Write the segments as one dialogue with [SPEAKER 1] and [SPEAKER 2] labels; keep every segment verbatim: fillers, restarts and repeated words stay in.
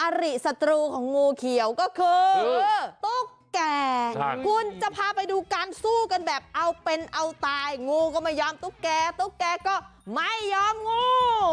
[SPEAKER 1] ริศัตรูของงูเขียวก็คือตุ๊กแกคุณจะพาไปดูการสู้กันแบบเอาเป็นเอาตายงูก็ไม่ยอมตุ๊กแกตุ๊กแกก็ไม่ยอมงู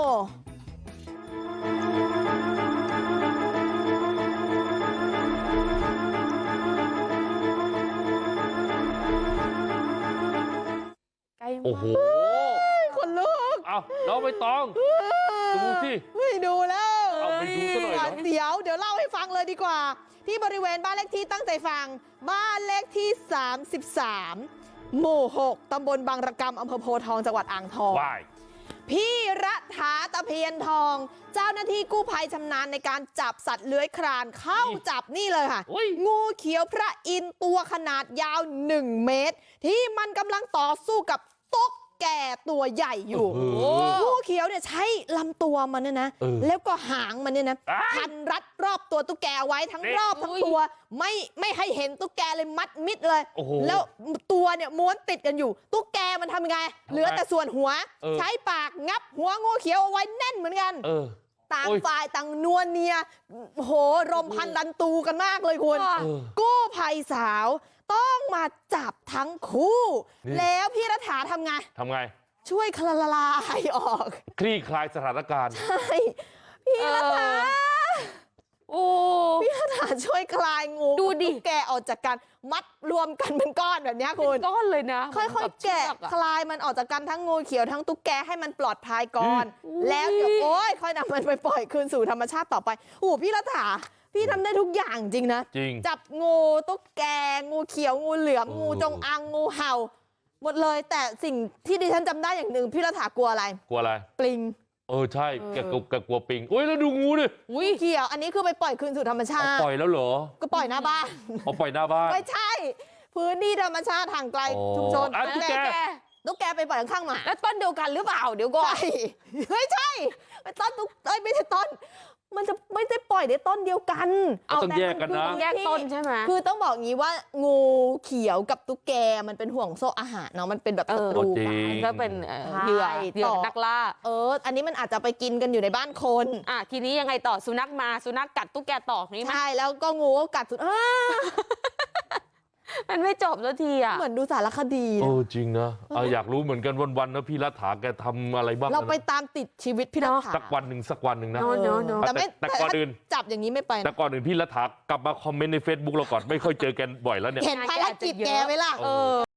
[SPEAKER 2] โอ้โห
[SPEAKER 1] คนลุก
[SPEAKER 2] เอาน้องใบตองดูสิ
[SPEAKER 1] ไม่ดูแล้ว
[SPEAKER 2] เอาไปดูซะหน่อยนะ
[SPEAKER 1] เดี๋ยวเดี๋ยวเล่าให้ฟังเลยดีกว่าที่บริเวณบ้านเลขที่ตั้งใจฟังบ้านเลขที่สามสิบสามหมู่หกตำบลบางระกำอำเภอโพธิ์ทองจังหวัดอ่างทองพี่รัฐาตะเพียนทองเจ้าหน้าที่กู้ภัยชำนาญในการจับสัตว์เลื้อยคลานเข้าจับนี่เลยค่ะงูเขียวพระอินทร์ตัวขนาดยาวหนึ่งเมตรที่มันกำลังต่อสู้กับตุ๊กแก่ตัวใหญ่อยู่งูเขียวเนี่ยใช้ลำตัวมันเนี่ยนะแล้วก็หางมันเนี่ยนะพันรัดรอบตัวตุ๊กแกไว้ทั้งรอบทั้งตัวไม่ไม่ให้เห็นตุ๊กแกเลยมัดมิดเลยแล้วตัวเนี่ยม้วนติดกันอยู่ตุ๊กแกมันทำยังไงเหลือแต่ส่วนหัวใช้ปากงับหัวงูเขียวเอาไว้แน่นเหมือนกันต่างฝ่ายต่างนวลเนียโหรมพันดันตูกันมากเลยคุณกู้ภัยสาวต้องมาจับทั้งคู่แล้วพี่รัฐาทำไง
[SPEAKER 2] ทำไง
[SPEAKER 1] ช่วยคลลายออก
[SPEAKER 2] คลี่คลายสถานการณ์
[SPEAKER 1] ใช่พี่รัฐาโอ้พี่รัฐาช่วยคลายงูดูดิแกออกจากกันมัดรวมกันเป็นก้อนแบบนี้คุณ
[SPEAKER 3] ก้อนเลยนะ
[SPEAKER 1] ค่อยๆแกะคลายมันออกจากกันทั้งงูเขียวทั้งตุ๊กแกให้มันปลอดภัยก่อนแล้วเดี๋ยวโอ้ยค่อยนำมันไปปล่อยคืนสู่ธรรมชาติต่อไปโอ้พี่รัฐาพี่ทำได้ทุกอย่างจริงนะ
[SPEAKER 2] จริง
[SPEAKER 1] จับงูตุ๊กแกงูเขียวงูเหลือมงูจงอางงูเห่าหมดเลยแต่สิ่งที่ดิฉันจำได้อย่างหนึ่งพี่รัฐากลัวอะไร
[SPEAKER 2] กลัวอะไร
[SPEAKER 1] ปลิง
[SPEAKER 2] เออใช่แกกลัวปิงโอ้ยแล้วดูงูดิ
[SPEAKER 1] อุ้ยเขียวอันนี้คือไปปล่อยคืนสู่ธรรมชาติ
[SPEAKER 2] ปล่อยแล้วเหรอ
[SPEAKER 1] ก็ปล่อยหน้าบ้าน
[SPEAKER 2] เอาปล่อยหน้าบ้าน
[SPEAKER 1] ไม่ใช่พื้นที่ธรรมชาติห่างไกลชุมชน
[SPEAKER 2] ตุ๊กแก
[SPEAKER 1] ตุ๊กแกไปปล่อยข้างๆหมา
[SPEAKER 3] แล้วต้นเดียวกันหรือเปล่าเดี๋ยวก่อน
[SPEAKER 1] ไม่ใช่ไม่ต้นตุ๊กเอ้ยไม่ใช่ต้นมันจะไม่ได้ปล่อยในต้นเดียวกัน
[SPEAKER 2] เอาต้องแยกกันนะ
[SPEAKER 3] แยกต้นใช่ไหม
[SPEAKER 1] คือต้องบอกงี้ว่างูเขียวกับตุ๊กแกมันเป็นห่วงโซ่อาหารเนาะมันเป็นแบบศัตรูกัน
[SPEAKER 3] ก็เป็นเหยื่อเหยื่อนักล่า
[SPEAKER 1] เอออันนี้มันอาจจะไปกินกันอยู่ในบ้านคน
[SPEAKER 3] อ่ะทีนี้ยังไงต่อสุนัขมาสุนัขกัดตุ๊กแกต่อนี่
[SPEAKER 1] ใช่แล้วก็งูก็กัดสุด
[SPEAKER 3] มันไม่จบสักทีอ่ะ
[SPEAKER 1] เหมือนดูสารคดี
[SPEAKER 2] เออจริงนะอยากรู้เหมือนกันวันๆนะพี่รัฐาแกทำอะไรบ้าง
[SPEAKER 1] เราไปตามติดชีวิตพี่รัฐา
[SPEAKER 2] สักวันหนึ่งสักวันหนึ่งนะ
[SPEAKER 1] แต่ไม่
[SPEAKER 2] แต่ก่อนอื่น
[SPEAKER 1] จับอย่างนี้ไม่ไป
[SPEAKER 2] แต่ก่อนอื่นพี่รัฐากลับมาคอมเมนต์ใน เฟซบุ๊ก เราก่อนไม่ค่อยเจอกันบ่อยแล้วเนี่ย
[SPEAKER 1] เห็นภารกิจแกไหมล่ะ